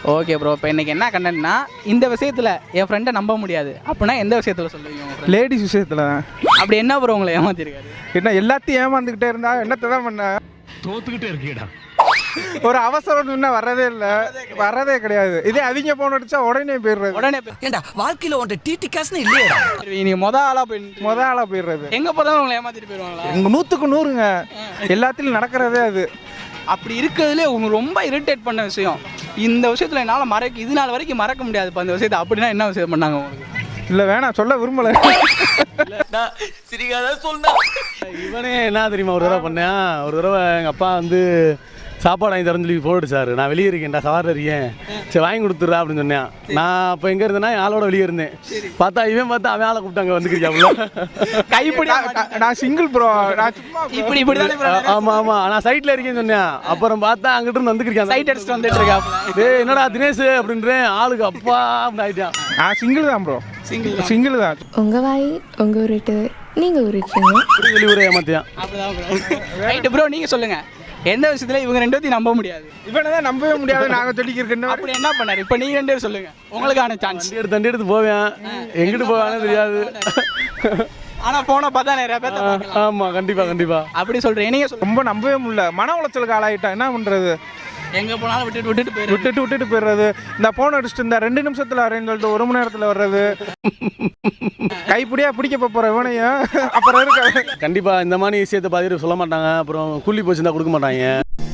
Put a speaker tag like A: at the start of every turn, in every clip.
A: Okay bro. இப்போ இன்றைக்கி என்ன கண்டென்ட்னா, இந்த விஷயத்தில் என் ஃப்ரெண்டை நம்ப முடியாது அப்படின்னா எந்த விஷயத்தில் சொல்லுவீங்க?
B: லேடிஸ் விஷயத்தில் தான்.
A: அப்படி என்ன ப்ரோ உங்களை ஏமாத்திருக்காரு?
B: என்ன எல்லாத்தையும் ஏமாந்துக்கிட்டே இருந்தா என்னத்தை தான் பண்ண?
C: தோத்துக்கிட்டே இருக்கீடா.
B: ஒரு அவசரம் இன்னும் வரதே கிடையாது. இதே அவங்க போன் அடிச்சா உடனே போயிடுறது.
A: உடனே
D: ஏண்டா வாழ்க்கையில் உன்ட்ட டிடி காசுன்னு இல்லையா?
A: நீங்கள் மொதல் ஆளாக
B: போயிடுறது.
A: எங்கே போதாலும் உங்களை ஏமாற்றிட்டு போயிடுவாங்களா?
B: எங்க 100க்கு 100ங்க எல்லாத்திலும் நடக்கிறதே அது.
A: அப்படி இருக்கிறதுலே உங்களுக்கு ரொம்ப இரிட்டேட் பண்ண விஷயம், இந்த விஷயத்தில் என்னால் இது நாள் வரைக்கும் மறக்க முடியாதுப்பா அந்த விஷயத்தை, அப்படின்னா என்ன விஷயம் பண்ணாங்க உங்களுக்கு?
B: இல்லை வேணாம் சொல்ல விரும்பலை.
D: சிரிக்காத சொன்னா
C: இவனே என்ன தெரியுமா, ஒரு தடவை பண்ணேன். ஒரு தடவை எங்கள் அப்பா வந்து சாப்பாடு வாங்கி தரேன்னு சொல்லி போட்டு சார், நான் வெளியே இருக்கேன்டா, சவாரில் இருக்கேன், சரி வாங்கி கொடுத்துட்றா அப்படின்னு சொன்னேன். நான் அப்போ எங்கே இருந்தேன்னா என் ஆளோட வெளியே இருந்தேன். பார்த்தா அவன் ஆளை கூப்பிட்டாங்க வந்துக்கிறியாப்புல.
A: கைப்பிடி
B: நான் சிங்கிள் ப்ரோ, நான் சும்மா
A: இப்படி
C: ஆமாம் ஆமாம் நான் சைட்டில் இருக்கேன்னு சொன்னேன். அப்புறம் பார்த்தா அங்கிட்டு இருந்து வந்துக்கிறியான்,
A: சைட் அடிச்சுட்டு வந்துட்டு இருக்காப்புல.
C: டேய் என்னடா தினேஷ் அப்படின்றேன், ஆளுக்கு அப்பா அப்படின்னு ஆகிட்டான்.
B: நான் சிங்கிள் தான் ப்ரோ, சிங்கிள் தான்.
E: உங்கள் வாய் உங்கள் உருட்டு நீங்கள் உருட்டுறீங்க.
C: இப்படி வெளி ஊரே ஏமாத்தியான்.
A: அப்படிதான் ரைட்டு ப்ரோ. நீங்கள் சொல்லுங்கள், எந்த விஷயத்துல இவங்க ரெண்டு பேத்தையும் நம்ப முடியாது?
B: இவனை தான் நம்பவே முடியாது நாங்கள் சொல்லிக்கிறேன்.
A: அப்படி என்ன பண்ணாரு? இப்போ நீங்கள் ரெண்டு பேரும் சொல்லுங்கள், உங்களுக்கான சான்ஸ்.
C: தண்டி எடுத்து போவேன், எங்கிட்டு போவானே தெரியாது.
A: ஆனால் போனை பார்த்தா நிறைய பேர்.
C: ஆமாம் கண்டிப்பாக
A: அப்படி சொல்கிறேன். நீங்கள் சொல்லுங்கள்.
B: ரொம்ப நம்பவே முடியல, மன உளைச்சலுக்கு ஆளாயிட்டா என்ன பண்ணுறது?
A: எங்கே போனாலும் விட்டுட்டு
B: போயிடுறது. இந்த போன் அடிச்சுட்டு இந்த 2 நிமிஷத்தில் வரேன்னு சொல்லிட்டு 1 மணி நேரத்தில் வர்றது. கைப்பிடியா பிடிக்க போகிற இவனையும் அப்புறம் இருக்க.
C: கண்டிப்பாக இந்த மாதிரி விஷயத்தை பார்த்துட்டு சொல்ல மாட்டாங்க. அப்புறம் கூலி போச்சு தான் கொடுக்க மாட்டாங்க.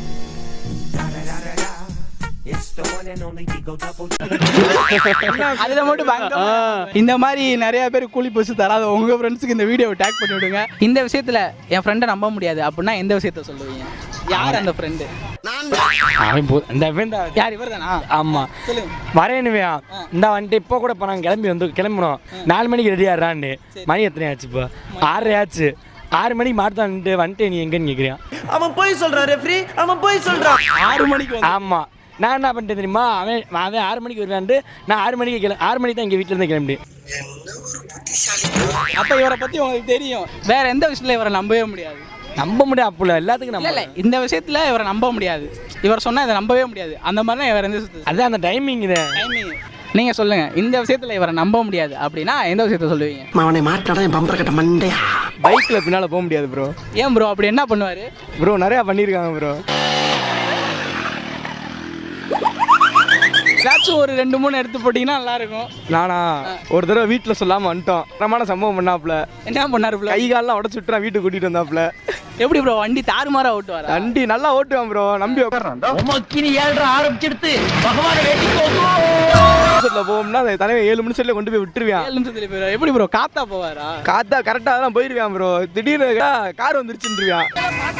A: அதில் மட்டும் இந்த மாதிரி நிறைய பேர் கூலி போச்சு தராத உங்க ஃப்ரெண்ட்ஸுக்கு இந்த வீடியோவை டேக் பண்ணி விடுங்க. இந்த விஷயத்துல என் ஃப்ரெண்டை நம்ப முடியாது அப்படின்னா எந்த விஷயத்த சொல்லுவீங்க? யார் அந்த ஃப்ரெண்டு? யார்? இவர் தானா?
F: ஆமாம் வரேனுவையா இந்த வந்துட்டு இப்போ கூட இப்போ நாங்கள் கிளம்பணும் 4 மணிக்கு ரெடி ஆடுறான்னு. மணி எத்தனை ஆச்சு? இப்போ 6:30 ஆச்சு. 6 மணிக்கு மாட்டான்ட்டு வந்துட்டு நீ எங்கன்னு கேட்குறியான்.
D: அவன் போய் சொல்றான் ரெஃப்ரி, அவன் போய் சொல்றான்
A: 6 மணிக்கு.
F: ஆமாம் நான் என்ன பண்ணிட்டேன் தெரியுமா, அவன் 6 மணிக்கு வருவான்ட்டு நான் 6 மணிக்கு 6 மணிக்கு தான் எங்கள் வீட்டிலேருந்து கிளம்பி.
A: அப்போ இவரை பற்றி உங்களுக்கு தெரியும். வேற எந்த விஷயத்துல இவரை நம்பவே முடியாது?
F: நம்ப முடியாது அப்போ எல்லாத்துக்கும்
A: இல்லை இந்த விஷயத்துல இவரை நம்ப முடியாது, இவர் சொன்னால் இதை நம்பவே முடியாது, அந்த மாதிரி தான் வேற எந்த விஷயத்துல?
F: அதுதான் அந்த டைமிங்.
A: நீங்கள் சொல்லுங்க, இந்த விஷயத்துல இவரை நம்ப முடியாது அப்படின்னா எந்த விஷயத்த சொல்லுவீங்க?
D: அவனை மாட்டாடா என் பம்பர கட்ட மண்டையா.
F: பைக்கில் பின்னால் போக முடியாது ப்ரோ.
A: ஏன் ப்ரோ? அப்படி என்ன பண்ணுவார்
F: ப்ரோ? நிறையா பண்ணியிருக்காங்க ப்ரோ.
A: ஏதாச்சும் ஒரு 2-3 எடுத்து போட்டிங்கன்னா நல்லாயிருக்கும்.
F: நானா ஒரு தடவை வீட்டில் சொல்லாமல் வந்துட்டோம். தரமான சம்பவம் பண்ணாப்புல.
A: என்ன பண்ணாரு?
F: கை காலெலாம் உடச்சு விட்டுறான், வீட்டுக்கு கூட்டிகிட்டு வந்தாப்புல.
A: எப்படி ப்ரோ வண்டி தாறுமாறா ஓட்டுவார்?
F: வண்டி நல்லா ஓட்டுவான் ப்ரோ, நம்பி உட்கார்றான்.
D: ஆரம்பிச்சிடுத்து பகவான்
F: போகும்னா அந்த தலைமை 7 நிமிஷத்துல கொண்டு போய் விட்டுருவான்.
A: 7 நிமிஷத்துல போயிடுவார். எப்படி ப்ரோ காத்தா போவாரா?
F: காத்தா கரெக்டாக தான் போயிருவான் ப்ரோ. திடீர்னு கார் வந்துருச்சுருவான்.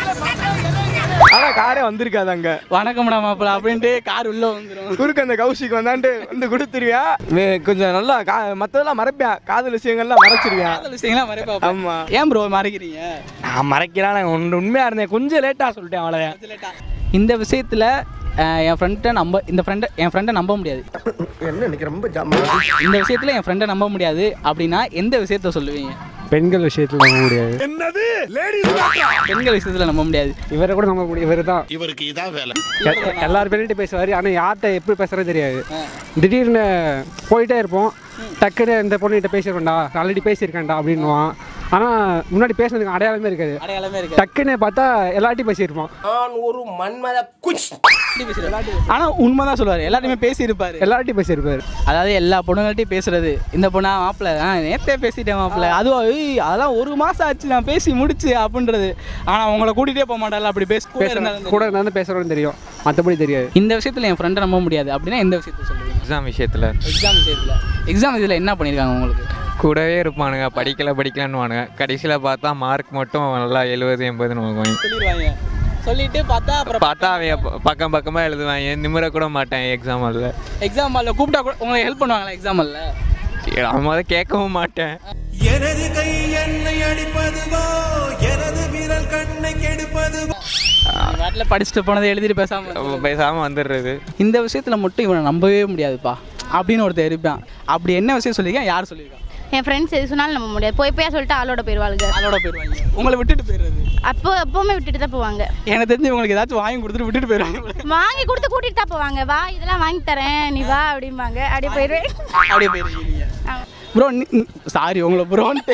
F: ஆனால் காரே வந்திருக்காது அங்கே.
A: வணக்கம்டா மாப்பிள்ள அப்படின்ட்டு கார் உள்ள வந்துடும்.
F: குறுக்கு அந்த கௌஷிக் வந்தான்ட்டு வந்து கொடுத்துருவேன். கொஞ்சம் நல்லா மற்றதெல்லாம் மறைப்பேன், காதல் விஷயங்கள்லாம் மறைச்சிருவேன்.
A: காதல் விஷயங்கள்லாம் மறைப்பேன்.
F: ஆமாம்.
A: ஏன் ப்ரோ மறைக்கிறீங்க?
F: நான் மறைக்கிறான் உண்மையாக இருந்தேன், கொஞ்சம் லேட்டாக சொல்லிட்டேன் அவ்வளோ.
A: இந்த விஷயத்தில் என் ஃப்ரெண்டை நம்ப முடியாது.
D: என்ன இன்னைக்கு ரொம்ப
A: இந்த விஷயத்தில் என் ஃப்ரெண்டை நம்ப முடியாது அப்படின்னா எந்த விஷயத்த சொல்லுவீங்க?
B: பெண்கள் விஷயத்தில் நம்ப முடியாது.
C: என்னது
A: பெண்கள் விஷயத்தில் நம்ப முடியாது.
B: இவரை கூட நம்ப முடியாது. இவர் தான்,
C: இவருக்கு இதான் வேலை.
B: எல்லாரும் பேர்கிட்ட பேசுவார், ஆனால் யார்கிட்ட எப்படி பேசுறது தெரியாது. திடீர்னு போயிட்டே இருப்போம், டக்குன்னு இந்த பொண்ணுகிட்ட பேசியிருக்கேன்டா, ஆல்ரெடி பேசியிருக்கேன்டா அப்படின்னுவான். ஆனால் முன்னாடி பேசுனதுக்கு அடையாளமே இருக்காது. டக்குன்னு பார்த்தா எல்லார்ட்டையும் பேசியிருப்பான்.
D: நான் ஒரு மன்மத குச்.
A: ஆனால் உண்மைதான் சொல்லுவார், எல்லாத்தையுமே பேசியிருப்பார்.
B: எல்லார்ட்டையும் பேசியிருப்பார்.
A: அதாவது எல்லா பொண்ணுங்கள்ட்டையும் பேசுறது. இந்த பொண்ணா மாப்பிள்ள நேற்றே பேசிட்டேன் மாப்பிள்ள, அதுவும் அதெல்லாம் 1 மாதம் ஆச்சு நான் பேசி முடிச்சு அப்படின்றது. ஆனால் உங்களை கூட்டிகிட்டே போக மாட்டாள், அப்படி
B: கூட இருந்தாலும் பேசுகிறோன்னு தெரியும், மற்றபடி தெரியாது.
A: இந்த விஷயத்தில் என் ஃப்ரெண்டை நம்ப முடியாது அப்படின்னா எந்த விஷயத்த சொல்லுவீங்க?
G: எக்ஸாம் விஷயத்தில்.
A: எக்ஸாம் இதில் என்ன பண்ணியிருக்காங்க உங்களுக்கு?
G: கூடவே இருப்பானுங்க, படிக்கலான்னு கடைசியில் பார்த்தா மார்க் மட்டும் நல்லா 70-80
A: சொல்லிடுவாங்க. சொல்லிட்டு பார்த்தா
G: அவன் பக்கமாக எழுதுவாங்க, நிமிர கூட மாட்டேன் எக்ஸாம் ஹாலில்
A: கூப்பிட்டா கூட உங்களுக்கு ஹெல்ப் பண்ணுவாங்களா எக்ஸாம் ஹாலில்?
G: அவன் கேட்கவும் மாட்டேன்.
D: எனது கை என்னை அடிப்பதுவோ, எனது விரல் கண்ணை கெடுப்பதுவோ.
A: நாட்டில் படிச்சுட்டு போனதை எழுதிட்டு
G: பேசாமல் வந்துடுறது.
A: இந்த விஷயத்தில் மட்டும் இவனை நம்பவே முடியாதுப்பா அப்படின்னு ஒருத்தர் இருப்பான். அப்படி என்ன விஷயம் சொல்லியிருக்கேன்? யார் சொல்லியிருக்கான்?
H: என் ஃப்ரெண்ட்ஸ் எது சொன்னாலும் நம்ப முடியாது. போய் சொல்லிட்டு ஆளோட போயிடுவாளுங்க.
A: அதோட போயிடுவாங்க, உங்களை விட்டுட்டு போயிடுறது.
H: எப்போவுமே விட்டுட்டு தான் போவாங்க.
A: எனக்கு தெரிஞ்சு உங்களுக்கு ஏதாச்சும் வாங்கி கொடுத்துட்டு விட்டுட்டு போயிடுவாங்க.
H: வாங்கி கொடுத்து கூட்டிட்டு தான் போவாங்க. வா இதெல்லாம் வாங்கி தரேன் நீ வா அப்படிம்பாங்க. அப்படியே போயிடுவேன்.
A: அப்படியே போயிருக்கீங்க. ப்ரோ சாரி உங்களை ப்ரோன்ட்டு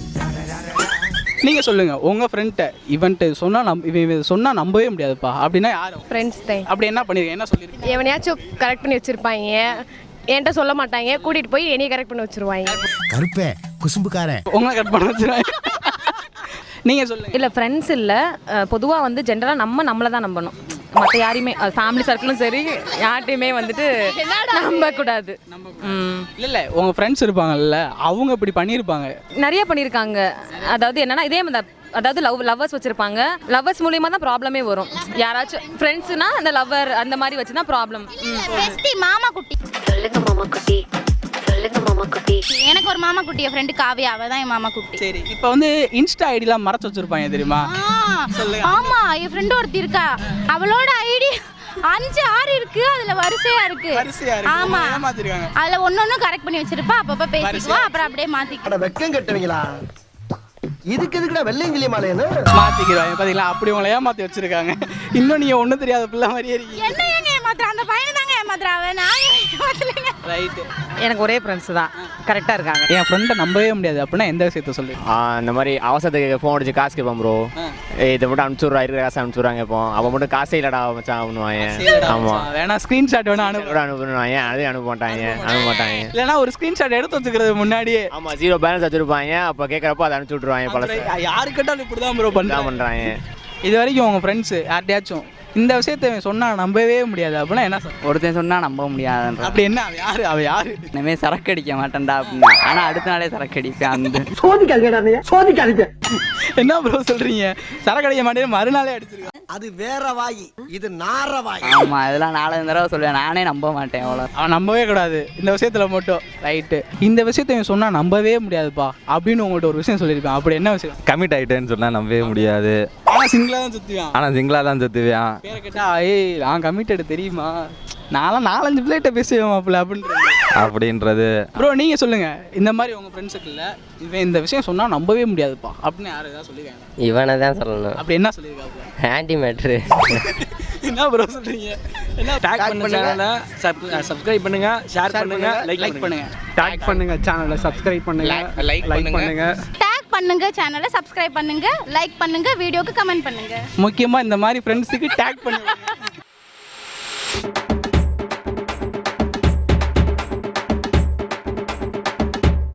A: நீங்கள் சொல்லுங்கள் உங்கள் ஃப்ரெண்ட்டை இவன்ட்டு சொன்னால் இவன் சொன்னால் நம்பவே முடியாதுப்பா அப்படின்னா யாரும்
E: ஃப்ரெண்ட்ஸ் தான்.
A: அப்படி என்ன பண்ணிருக்கேன், என்ன சொல்லியிருக்கேன்?
E: எவனையாச்சும் கரெக்ட் பண்ணி வச்சுருப்பாங்க, என்கிட்ட சொல்ல மாட்டாங்க, கூட்டிகிட்டு போய் என்னையை கரெக்ட் பண்ணி வச்சுருவாங்க.
D: கருப்பே குசும்புக்காரன்
A: உங்களை கட் பண்ண வச்சுருவாங்க. நீங்கள் சொல்லுங்கள்.
I: இல்லை ஃப்ரெண்ட்ஸ் இல்லை, பொதுவாக வந்து ஜென்ரலாக நம்மளை தான் நம்பணும். மற்ற யாரையுமே ஃபேமிலி சர்க்கிளும் சரி யார்ட்டையுமே வந்துட்டு நம்பக்கூடாது.
A: இல்லை உங்கள் ஃப்ரெண்ட்ஸ் இருப்பாங்கல்ல, அவங்க இப்படி பண்ணியிருப்பாங்க,
I: நிறைய பண்ணியிருக்காங்க. அதாவது என்னன்னா இதே மாதிரி அதாவது லவ்வர்ஸ் வச்சுருப்பாங்க. லவ்வர்ஸ் மூலியமாக தான் ப்ராப்ளமே வரும். யாராச்சும் ஃப்ரெண்ட்ஸுனா அந்த லவ்வர் அந்த மாதிரி வச்சு தான் ப்ராப்ளம்.
H: மாமா குட்டி
E: சொல்லுங்க மாமா குட்டி, சொல்லுங்க மாமா குட்டி.
H: எனக்கு ஒரு மாமா குட்டி, என் ஃப்ரெண்டு காவியா, அவள் தான் என் மாமா குட்டி.
A: சரி இப்போ வந்து இன்ஸ்டா ஐடிலாம் மறைச்சு வச்சுருப்பாங்க தெரியுமா?
H: ஆமா என் ஃப்ரெண்டு ஒருத்தி இருக்கா, அவளோட ஐடி 5-6 இருக்கு, அதுல வரிசையா இருக்கு. ஆமா
A: ஏமாத்திருக்காங்க.
H: அதுல ஒன்னொன்னு கரெக்ட் பண்ணி வச்சிருப்பா, அப்பப்ப பேசிக்குவா, அப்புறம் அப்படியே மாத்திக்குவா.
D: வெக்கம் கட்டுவீங்களா? இதுக்கு எதுக்குடா வெள்ளையங்கிலி மாலையன்னு
A: மாத்திக்கிறாங்க பாத்தீங்களா? அப்படி உங்களை ஏமாத்தி வச்சிருக்காங்க. இன்னும் நீங்க ஒண்ணும் தெரியாத பிள்ளை மாதிரியே இருக்கீங்க.
H: என்ன ஏங்க ஏமாத்துறா? அந்த பையனை தாங்க ஏமாத்துறாவ, நான் ஏமாத்தலைங்க.
A: ரைட்டு.
I: எனக்கு ஒரே ஃப்ரெண்ட்ஸ் தான் கரெக்டாக இருக்காங்க.
A: என் ஃப்ரெண்டை நம்பவே முடியாது அப்படின்னா எந்த விஷயத்த சொல்லு?
J: இந்த மாதிரி அவசரத்துக்கு ஃபோன் அடிச்சு காசு கேட்பான் ப்ரோ, இதை மட்டும் அனுப்பிச்சுட்றா, இருக்கிற காசு அனுப்பிச்சுட்றாங்க. இப்போ அவன் மட்டும் காசே இல்லடா மச்சான் பண்ணுவாங்க. ஆமாம்
A: வேணா ஸ்க்ரீன்ஷாட் வேணா
J: அனுப்புவாங்க, அதையும் அனுப்ப மாட்டாங்க.
A: இல்லைன்னா ஒரு ஸ்க்ரீன்ஷாட் எடுத்து வச்சுக்கிறது முன்னாடியே.
J: ஆமாம் 0 பேலன்ஸ் வச்சுருப்பாங்க, அப்போ கேட்குறப்போ அதை அனுப்பிச்சு விட்ருவாங்க. பழசு
A: யாரு கேட்டாலும் இப்படி தான் ப்ரோ
J: பண்ணுறாங்க.
A: இது வரைக்கும் உங்கள் ஃப்ரெண்ட்ஸு யார்ட்டையாச்சும் இந்த விஷயத்தை சொன்னால் நம்பவே முடியாது அப்படின்னா என்ன சார்?
K: ஒருத்தன் சொன்னால் நம்ப முடியாதுன்ற.
A: அப்படி என்ன அவ யாரு
K: இனிமேல் சரக்கு அடிக்க மாட்டேன்டா அப்படின்னா, ஆனால் அடுத்த நாளே சரக்கு அடிப்பேன். அந்த
D: சோதிக்காதீங்க.
A: என்ன ப்ரோ சொல்கிறீங்க? சரக்கு அடிக்க மாட்டேன் மறுநாளே அடிச்சிருக்கேன்.
D: அது வேற வாயி, இது நார வாயி.
K: ஆமாம் இதெல்லாம் 4 தடவை சொல்லுவேன், நானே நம்ப மாட்டேன். அவ்வளோ
A: அவன் நம்பவே கூடாது இந்த விஷயத்தில் மட்டும். ரைட்டு. இந்த விஷயத்த சொன்னால் நம்பவே முடியாதுப்பா அப்படின்னு உங்கள்கிட்ட ஒரு விஷயம் சொல்லியிருப்பேன். அப்படி என்ன விஷயம்?
L: கமிட் ஆகிட்டேன்னு சொன்னால் நம்பவே முடியாது.
A: ஆனால் சிங்கிளாக தான் சுற்றுவான்.
L: ஆனால் சிங்கிளாக தான் சுற்றுவேன்.
A: பேரை கேட்டால் ஏய் நான் கமிட்டடு தெரியுமா, நான்லாம் 4-5 பிள்ளைகிட்ட பேசுவேன் மாப்பிள்ள
L: அப்படின்றது.
A: ப்ரோ நீங்கள் சொல்லுங்கள், இந்த மாதிரி உங்கள் ஃப்ரெண்ட்ஸுக்கு இல்லை இவன் இந்த விஷயம் சொன்னால் நம்பவே முடியாதுப்பா அப்படின்னு யாரும் ஏதாவது சொல்லியிருக்காங்க?
K: இவனை தான் சொல்லணும்.
A: அப்படி என்ன சொல்லியிருக்காங்க?
K: Anti matter.
A: என்ன ப்ரோ சொல்கிறீங்க? என்ன
F: டேக் பண்ணுங்க, சப்ஸ்கிரைப் பண்ணுங்க, ஷேர் பண்ணுங்க, லைக் பண்ணுங்க.
B: டேக் பண்ணுங்க சேனலை, சப்ஸ்கிரைப் பண்ணுங்க, லைக் பண்ணுங்க.
H: டேக் பண்ணுங்க சேனலை, சப்ஸ்கிரைப் பண்ணுங்க, லைக் பண்ணுங்க, வீடியோக்கு கமெண்ட் பண்ணுங்க.
A: முக்கியமாக இந்த மாதிரி ஃப்ரெண்ட்ஸுக்கு டேக் பண்ணுங்க.